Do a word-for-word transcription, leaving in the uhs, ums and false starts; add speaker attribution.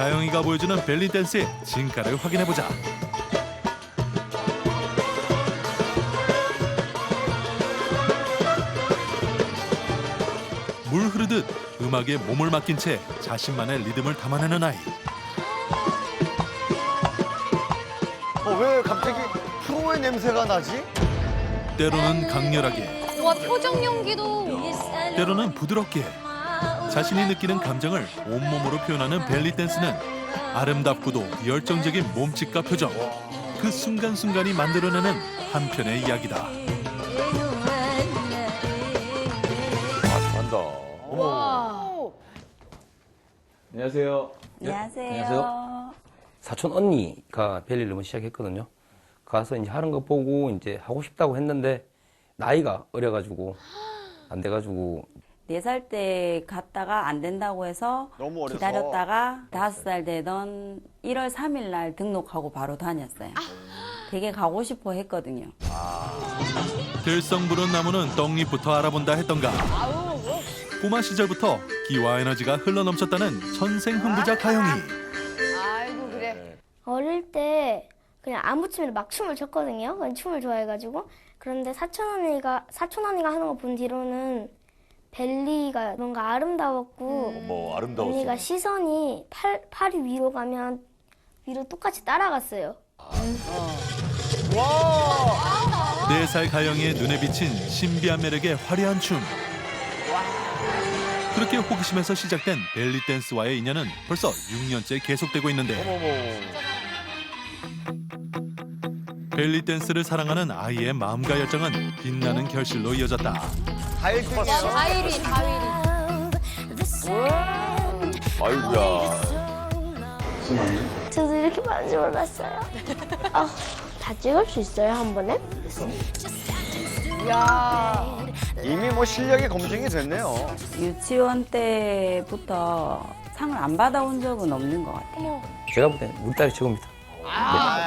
Speaker 1: 가영이가 보여주는 벨리 댄스의 진가를 확인해보자. 물 흐르듯 음악에 몸을 맡긴 채 자신만의 리듬을 담아내는 아이.
Speaker 2: 어, 왜 갑자기 프로의 냄새가 나지?
Speaker 1: 때로는 강렬하게,
Speaker 3: 와 표정 연기도.
Speaker 1: 때로는 부드럽게 자신이 느끼는 감정을 온몸으로 표현하는 벨리 댄스는 아름답고도 열정적인 몸짓과 표정, 그 순간순간이 만들어내는 한편의 이야기다.
Speaker 2: 아, 잘한다.
Speaker 3: 와.
Speaker 4: 안녕하세요.
Speaker 5: 안녕하세요.
Speaker 4: 안녕하세요. 사촌 언니가 벨리를 한번 시작했거든요. 가서 이제 하는 거 보고 이제 하고 싶다고 했는데 나이가 어려가지고 안 돼가지고
Speaker 5: 네 살 때 갔다가 안 된다고 해서
Speaker 2: 너무 어려서.
Speaker 5: 기다렸다가 다섯 살 되던 일월 삼일 날 등록하고 바로 다녔어요. 되게 가고 싶어 했거든요.
Speaker 1: 들성부른 나무는 떡잎부터 알아본다 했던가. 꼬마 시절부터 기와 에너지가 흘러넘쳤다는 천생흥부자 가영이.
Speaker 3: 아이고 그래.
Speaker 6: 어릴 때 그냥 아무 춤이나 막 춤을 췄거든요. 그냥 춤을 좋아해가지고. 그런데 사촌 언니가 사촌 언니가 하는 거 본 뒤로는 벨리가 뭔가 아름다웠고
Speaker 2: 어머, 아름다웠어.
Speaker 6: 언니가 시선이 팔 팔이 위로 가면 위로 똑같이 따라갔어요.
Speaker 2: 와!
Speaker 1: 네 살 가영이의 눈에 비친 신비한 매력의 화려한 춤. 그렇게 호기심에서 시작된 벨리 댄스와의 인연은 벌써 육 년째 계속되고 있는데
Speaker 2: 어머머.
Speaker 1: 벨리 댄스를 사랑하는 아이의 마음과 열정은 빛나는 결실로 이어졌다.
Speaker 2: 가일 때
Speaker 3: 다일이 다일이.
Speaker 2: 아이고야.
Speaker 6: 저도 이렇게 많은 줄 몰랐어요. 아, 다 찍을 수 있어요, 한 번에?
Speaker 3: 야.
Speaker 2: 이미 뭐 실력이 검증이 됐네요.
Speaker 5: 유치원 때부터 상을 안 받아온 적은 없는 것 같아요.
Speaker 4: 제가 볼 때는 우리 딸이 최고입니다.